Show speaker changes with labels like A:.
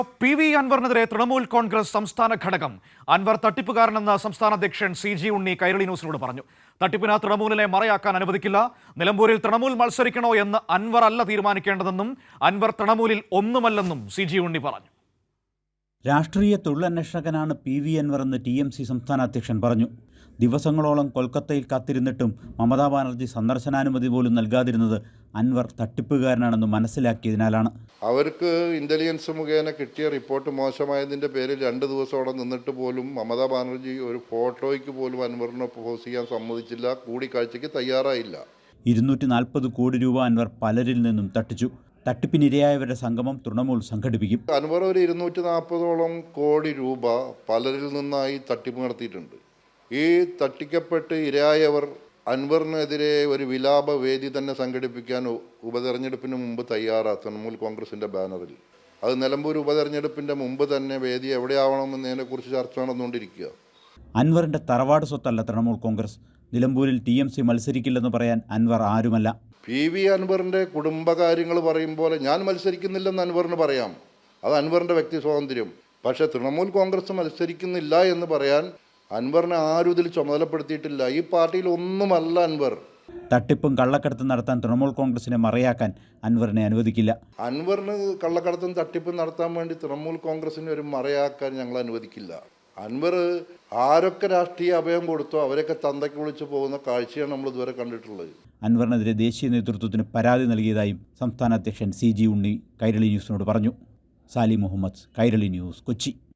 A: PV. അൻവറിനെതിരെ Trinamool Congress സംസ്ഥാന ഘടകം അൻവർ തട്ടിപ്പുകാരനെന്ന് സംസ്ഥാന അധ്യക്ഷൻ സി.ജി. ഉണ്ണി കൈരളി ന്യൂസിനോട് പറഞ്ഞു. തട്ടിപ്പിന് തൃണമൂലിനെ മറയാക്കാൻ അനുവദിക്കില്ല. നിലമ്പൂരിൽ തൃണമൂൽ മത്സരിക്കണോ എന്ന് അൻവർ അല്ല തീരുമാനിക്കേണ്ടതെന്നും അൻവർ തൃണമൂലിൽ ഒന്നുമല്ലെന്നും സി.ജി. ഉണ്ണി പറഞ്ഞു.
B: രാഷ്ട്രീയ തൊഴിലന്വേഷകനാണ് പി.വി. അൻവർ എന്ന് TMC സംസ്ഥാന അധ്യക്ഷൻ പറഞ്ഞു. ദിവസങ്ങളോളം കൊൽക്കത്തയിൽ കാത്തിരുന്നിട്ടും മമതാ ബാനർജി സന്ദർശനാനുമതി പോലും നൽകാതിരുന്നത് അൻവർ തട്ടിപ്പുകാരനാണെന്ന് മനസ്സിലാക്കിയതിനാലാണ്.
C: അവർക്ക് ഇന്റലിജൻസ് മുഖേന കിട്ടിയ റിപ്പോർട്ട് മോശമായതിൻ്റെ പേരിൽ 2 ദിവസം അവിടെ നിന്നിട്ട് പോലും മമതാ ബാനർജി ഒരു ഫോട്ടോയ്ക്ക് പോലും അൻവറിനെ പോസ് ചെയ്യാൻ സമ്മതിച്ചില്ല, കൂടിക്കാഴ്ചയ്ക്ക് തയ്യാറായില്ല.
B: 240 കോടി രൂപ അൻവർ പലരിൽ നിന്നും തട്ടിച്ചു. തട്ടിപ്പിനിരയായവരുടെ സംഗമം തൃണമൂൽ സംഘടിപ്പിക്കും.
C: അൻവർ ഒരു 240ഓളം കോടി രൂപ പലരിൽ നിന്നായി തട്ടിപ്പ് നടത്തിയിട്ടുണ്ട്. ഈ തട്ടിക്കപ്പെട്ട് ഇരയായവർ അൻവറിനെതിരെ ഒരു വിലാപ വേദി തന്നെ സംഘടിപ്പിക്കാൻ ഉപതെരഞ്ഞെടുപ്പിന് മുമ്പ് തയ്യാറാണ് തൃണമൂൽ കോൺഗ്രസിൻ്റെ ബാനറിൽ. അത് നിലമ്പൂർ ഉപതെരഞ്ഞെടുപ്പിൻ്റെ മുമ്പ് തന്നെ വേദി എവിടെയാവണമെന്നതിനെക്കുറിച്ച് ചർച്ച നടന്നുകൊണ്ടിരിക്കുക.
B: അൻവറിൻ്റെ തറവാട് സ്വത്തല്ല തൃണമൂൽ കോൺഗ്രസ്. നിലമ്പൂരിൽ TMC മത്സരിക്കില്ലെന്ന് പറയാൻ അൻവർ ആരുമല്ല.
C: പി.വി. അൻവറിൻ്റെ കുടുംബകാര്യങ്ങൾ പറയുമ്പോൾ ഞാൻ മത്സരിക്കുന്നില്ലെന്ന് അൻവറിന് പറയാം, അത് അൻവറിൻ്റെ വ്യക്തി സ്വാതന്ത്ര്യം. പക്ഷേ തൃണമൂൽ കോൺഗ്രസ് മത്സരിക്കുന്നില്ല എന്ന് പറയാൻ അൻവറിനെ ആരും ഇതിൽ ചുമതലപ്പെടുത്തിയിട്ടില്ല. ഈ പാർട്ടിയിൽ ഒന്നുമല്ല അൻവർ.
B: തട്ടിപ്പും കള്ളക്കടത്തും നടത്താൻ തൃണമൂൽ കോൺഗ്രസിനെ മറയാക്കാൻ അൻവറിനെ അനുവദിക്കില്ല.
C: അൻവറിന് കള്ളക്കടത്തും തട്ടിപ്പും നടത്താൻ വേണ്ടി തൃണമൂൽ കോൺഗ്രസിനെ ഒരു മറയാക്കാൻ ഞങ്ങൾ അനുവദിക്കില്ല. അൻവർ ആരൊക്കെ രാഷ്ട്രീയ അഭയം കൊടുത്തോ അവരൊക്കെ തന്തയ്ക്ക് വിളിച്ച് പോകുന്ന കാഴ്ചയാണ് നമ്മൾ ഇതുവരെ കണ്ടിട്ടുള്ളത്.
B: അൻവറിനെതിരെ ദേശീയ നേതൃത്വത്തിന് പരാതി നൽകിയതായും സംസ്ഥാന അധ്യക്ഷൻ CG ഉണ്ണി കൈരളി ന്യൂസിനോട് പറഞ്ഞു. സാലി മുഹമ്മദ്, കൈരളി ന്യൂസ്, കൊച്ചി.